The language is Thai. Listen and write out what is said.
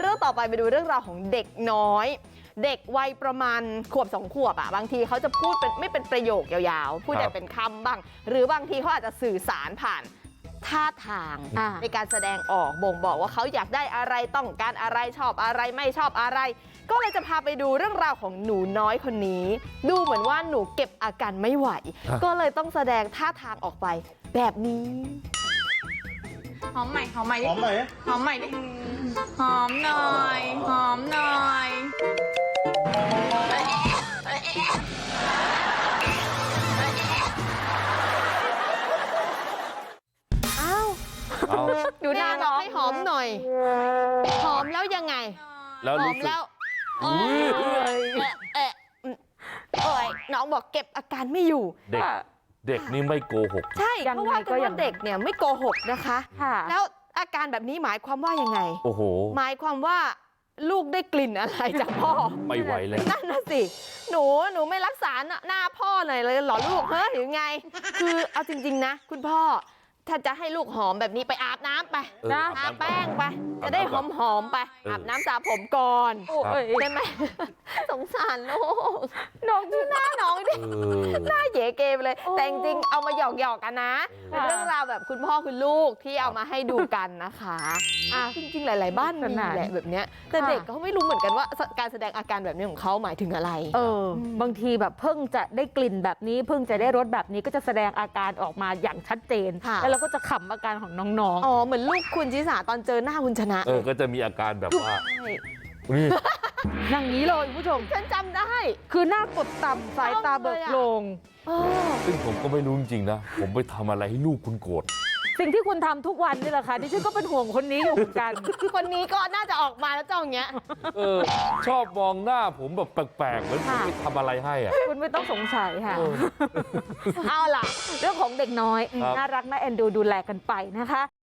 เรื่องต่อไปไปดูเรื่องราวของเด็กน้อยเด็กวัยประมาณขวบ2 ขวบอ่ะบางทีเขาจะพูดเป็นไม่เป็นประโยคยาวๆพูดแต่เป็นคำบ้างหรือบางทีเขาอาจจะสื่อสารผ่านท่าทางในการแสดงออกบ่งบอกว่าเขาอยากได้อะไรต้องการอะไรชอบอะไรไม่ชอบอะไรก็เลยจะพาไปดูเรื่องราวของหนูน้อยคนนี้ดูเหมือนว่าหนูเก็บอาการไม่ไหวก็เลยต้องแสดงท่าทางออกไปแบบนี้หอมใหม่หอมใหม่ดิหอมไหมหอมใหม่ดิหอมหน่อยหอมหน่อยอ้าวดูหน้าน้องให้หอมหน่อยหอมแล้วยังไงแล้วหอมแล้วเอ้ยน้องบอกเก็บอาการไม่อยู่เด็กนี่ไม่โกหกใช่เพราะว่าเด็กเนี่ยไม่โกหกนะคะแล้วอาการแบบนี้หมายความว่ายังไงโอ้โหหมายความว่าลูกได้กลิ่นอะไรจากพ่อไม่ไหวเลยนั่นน่ะสิหนูไม่รักษาหน้าพ่อหน่อยเลยเหรอลูกเฮ้ยหรือไงคือเอาจริงๆนะคุณพ่อถ้าจะให้ลูกหอมแบบนี้ไปอาบน้ำไปทาแป้งไปจะได้หอมๆไปอาบน้ำสระผมก่อนใช่ไหมสงสารลูกน้องดูหน้าน้องดิหน้าเก๋เกไปเลยแต่จริงๆเอามาหยอกๆกันนะเป็นเรื่องราวแบบคุณพ่อคุณลูกที่เอามาให้ดูกันนะคะจริงๆหลายๆบ้านมีแหละแบบเนี้ยแต่เด็กเขาไม่รู้เหมือนกันว่าการแสดงอาการแบบนี้ของเขาหมายถึงอะไรบางทีแบบเพิ่งจะได้กลิ่นแบบนี้เพิ่งจะได้รสแบบนี้ก็จะแสดงอาการออกมาอย่างชัดเจนแล้วเราก็จะขำอาการของน้องๆเหมือนลูกคุณชิสาตอนเจอหน้าคุณชนะก็จะมีอาการแบบว่านี่อย่างนี้เลยคุณผู้ชมฉันจำได้คือหน้ากดต่ำสายตาเบิกโพลงซึ่งผมก็ไม่รู้จริงๆนะผมไปทำอะไรให้ลูกคุณโกรธสิ่งที่คุณทำทุกวันนี่แหละค่ะดิฉันก็เป็นห่วงคนนี้อยู่เหมือนกันคนนี้ก็น่าจะออกมาแล้วเจ้าอย่างเงี้ยชอบมองหน้าผมแบบแปลกๆเหมือนผมไปทำอะไรให้คุณไม่ต้องสงสัยค่ะเอาล่ะเรื่องของเด็กน้อยน่ารักน่าเอ็นดูแลกันไปนะคะ